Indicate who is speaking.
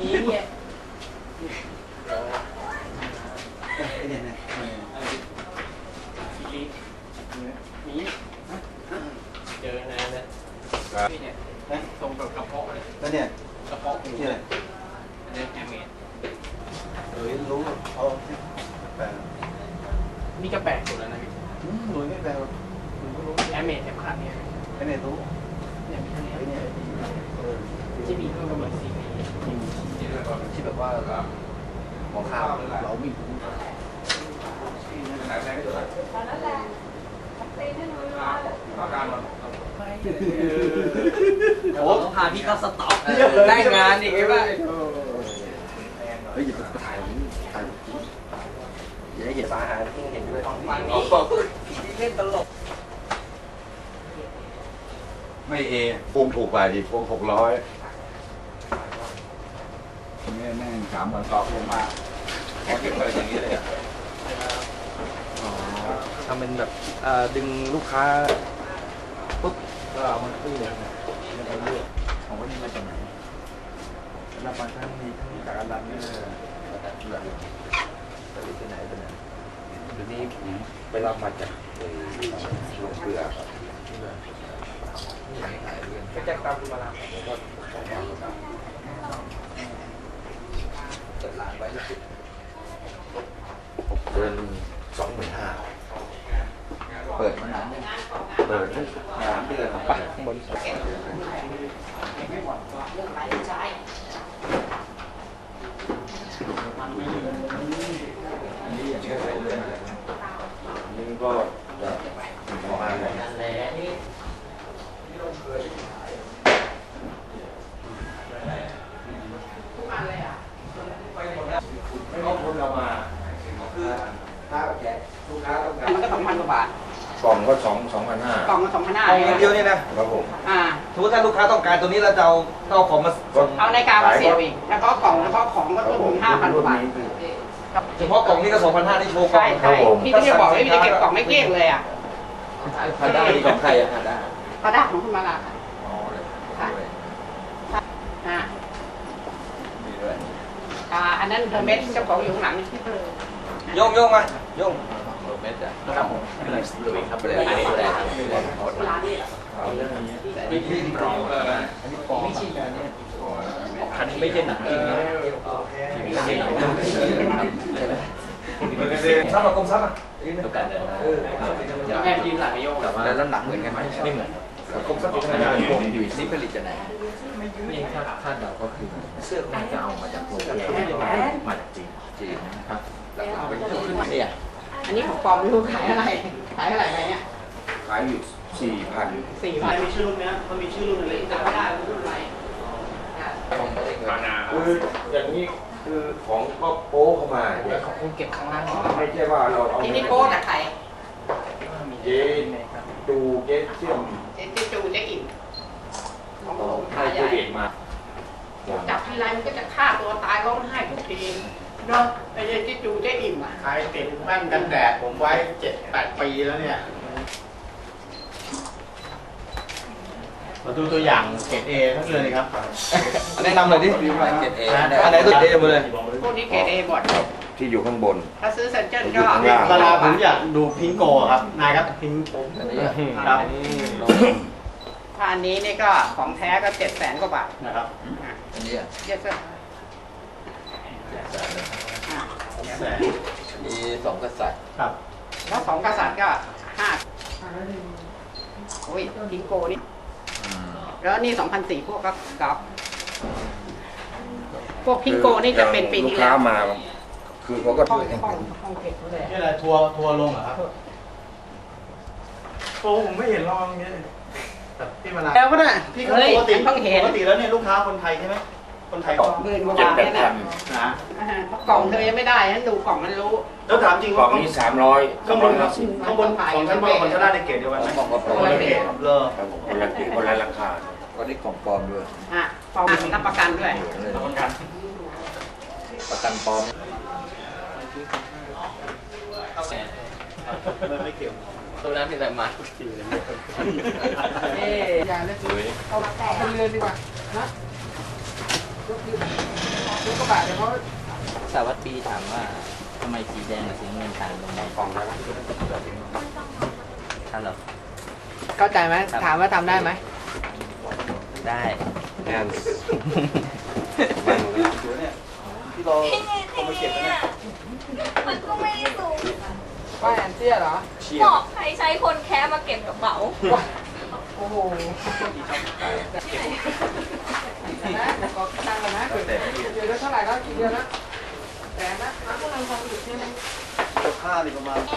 Speaker 1: นี่เนี่ยมีเจอนะเนี่ยนี่เนี่ยตรงกับกระเพาะเลยแล้วเนี่ยกระเพาะนี่อะไรอันนี้แอมเมด
Speaker 2: รู้เอาแปล
Speaker 1: นี่ก็แปลกสุดแล้วนะพี่
Speaker 2: หนุ่ยไม่แปลหนุ่ยก็รู้
Speaker 1: แอมเมดแอมขาดเนี่ย
Speaker 2: ไอ้เนี่ยรู้
Speaker 1: เนี่ยมีเท่านี้
Speaker 2: เนี่ย
Speaker 1: ที่มีเพิ่มกำลังสี
Speaker 2: ที่แบบว่าหมอข้าวเราไม่รู้
Speaker 1: โอ้พาพี่เข้าสต็อกได้งานอีกใช่ไหม
Speaker 2: เฮ้ยอย่าไปถ่ายอย่าให้เห็นสาหารที่เห็นด้วย
Speaker 1: ฝั่งนี้พี่เล่นตลก
Speaker 3: ไม่พวงถูกกว่าดิพวง600นี่แม่ง3 วันต่อพวงมาเขาเก็บอะไรอย่างนี้เลยอ่ะ
Speaker 1: ทำเป็นแบบดึงลูกค้าปุ๊บก็เอามันขึ้นเลยนะแล้วก็เลือกของว่านี่มาจากไหนรับบางท่านมีทั้งจากอันดับนี้เลยไปที่ไหนไปไหน
Speaker 3: เดี๋ยวนี้ผมไปรับมาจากโรงเกลือครับ
Speaker 1: ก็จะตามคุณมาลา
Speaker 3: แล้วก็เปิดร้านไว้เดือน25,000เปิดมานานยังเปิด3 เดือน
Speaker 1: ไปข้างบน
Speaker 3: นี่ก็ประมาณไหนก็คนเรามาคือถ้าแกลูกค้าต้องการ
Speaker 1: มันก็2,000 กว่าบาท
Speaker 3: กล่องก็2,500
Speaker 1: กล่องก็2,500
Speaker 2: กล่องเดียวนี่นะครับ
Speaker 3: ผม
Speaker 2: สมมติถ้าลูกค้าต้องการตัวนี้เราจะเอาของมา
Speaker 1: เอาในกามาเสียบอีกเฉพาะกล่องเฉพาะของก็ต้นทุน5,000 กว่าบาท
Speaker 2: เฉพาะกล่องนี้ก็2,500นี่โชว์กล่อง
Speaker 1: ใช่พี่ก็จะบอกว่ามีเก็บกล่องไม่เกลี้ยงเลยอ่ะ
Speaker 2: พาด้านี่ของใครอะพาด้า
Speaker 1: พาด้าของคุณมาลาค่ะค่ะ
Speaker 3: มีด้วย
Speaker 1: อันนั้นเฮอร์เมสเจ้าของอยู่ข้างหลัง
Speaker 2: โยงมาโยง
Speaker 3: เม็ดอ่ะครับผมลุยครับไปเลยอันนี้เลยครับ
Speaker 1: ร้านนี้
Speaker 3: ไม่ใช่กล่อง
Speaker 1: อันนี้ปองไม่ใช่แบบนี้
Speaker 3: คันนี้ไม่ใช่หนังจริงนะไม่ใช่หนัง
Speaker 2: ซับกับกลมซับอ่ะ
Speaker 3: ดูกันเลย
Speaker 1: แม่ยืนหลังไอโยก
Speaker 3: แล้วหนังเหมือนกันไหมไม่เหมือน
Speaker 2: กลมซับอยู่ไหน
Speaker 3: อยู่ที่ผลิตจากไหนไม่คาดเดาก็คือเสื้อน่าจะเอามาจากโรงงานมาจากจีนนะครับแล้วเอาไปขึ้นมาเนี่ย
Speaker 1: อันนี้ของปลอมไม่รู้ขายอะไรไปเนี่ย
Speaker 3: ขายอยู่
Speaker 1: 4,000มีชื่อรุ่นนี้มันมีชื่อรุ่นอะไรจำไม่ได้รุ่นอะไร
Speaker 3: คืออย่างนี้คือของก็โป๊เข้ามา
Speaker 1: เนี่ยของคุณเก็บข้างล่าง
Speaker 3: ไม่ใช่ว่าเราเอา
Speaker 1: ที่นี่โป๊จากใคร
Speaker 3: เจ๊ดูเจ๊เชื่อม
Speaker 1: เจ๊จูเจ๊อิ่มของผม
Speaker 3: ให้ผู้เด็กมา
Speaker 1: จับทีไรมันก็จะฆ่าตัวตายร้องไห้ทุกทีเนาะไอ้เจ๊จูเจ๊อิ่มอ่ะ
Speaker 2: ขายติดแว่นกันแดดผมไว้ 7-8 ปีแล้วเนี่ยมาดูตัวอย่างเกรด A ทั้งเลยครับแนะนำเลยดิ
Speaker 3: เกรด A
Speaker 2: อันไหนตัวเกรด A หมดเลย
Speaker 1: พวกนี้เกรด A หมด
Speaker 3: ที่อยู่ข้างบน
Speaker 1: ถ้าซื้อเซนเจอร์ก็
Speaker 2: เวลาผมอยากดูพิงโกครับนายครับพิงครับ
Speaker 1: ถ้าอันนี้นี่ก็ของแท้ก็700,000 กว่าบาท
Speaker 2: นะครับ
Speaker 3: อันนี้อ่ะ
Speaker 1: เยอะสุด
Speaker 3: มี2 กษัตริย์
Speaker 2: ครับ
Speaker 1: แล้ว2 กษัตริย์ก็5โอ้ยพิงโกนี่แล้วนี่2004พวกก็กอล์ฟพวกพิงโกนี่จะเป็นปีที่แล้ว
Speaker 3: มาคือเขาก็ช่วยกัน
Speaker 2: นี่อะไรทัวร์ลงเหรอครับโอ้ผมไม่เห็นลองเงี้ยพี่มา
Speaker 1: แล้วก็ได้
Speaker 2: พี่ปกติแล้วเนี่ยลูกค้าคนไทยใช่ไหมคนไทยก็
Speaker 1: 10,000 กว่าบาทเนี่ยนะกล่องเธอยังไม่ได้ฉันดูกล่องมันรู้
Speaker 2: แล้วถามจริง
Speaker 3: ว่าก
Speaker 2: ล่อง
Speaker 3: นี้300
Speaker 2: ข้างบนของชั้นบนของชั้นล่างในเกรดเดียวกันไหม
Speaker 3: ของก็
Speaker 2: คนละเกรดเลย
Speaker 3: คนละราคาก็ได้กล่องปลอมด้วย
Speaker 1: ปลอมรับประกันด้วย
Speaker 2: รับประกัน
Speaker 3: ปลอม
Speaker 2: ไม่เกี่ยว
Speaker 1: ตัวนั้นเป็นอะไรมาทุกทีเลยอย่าเลยเอาไปเรือนดีกว่านะบาทเนี่ยเพราะ
Speaker 3: สวัสดีถามว่าทำไมสีแดงกับสีน้ำเงินต่างตรงไหน
Speaker 1: กล่องแล้ว
Speaker 3: ท่านเหรอ
Speaker 4: เข้าใจไหมถามว่าทำได้ไหม
Speaker 3: ได้
Speaker 1: แอนเนี่ยที่เราเอามาเก็บเนี่ย
Speaker 5: มันก็ไม่ได้สูง
Speaker 4: ว่าแอนเตี้ยเหรอ
Speaker 5: เหมาะใครใช้คนแค่มาเก็บกระเป๋า
Speaker 4: โอ้โหนะขอตังค์ก่อนนะเดือนละเท่าไหร่แล้วกี่เดือนแล้วแสนนะพวกเราความอยู่ที่ไหน
Speaker 1: ค่านี่ประมาณ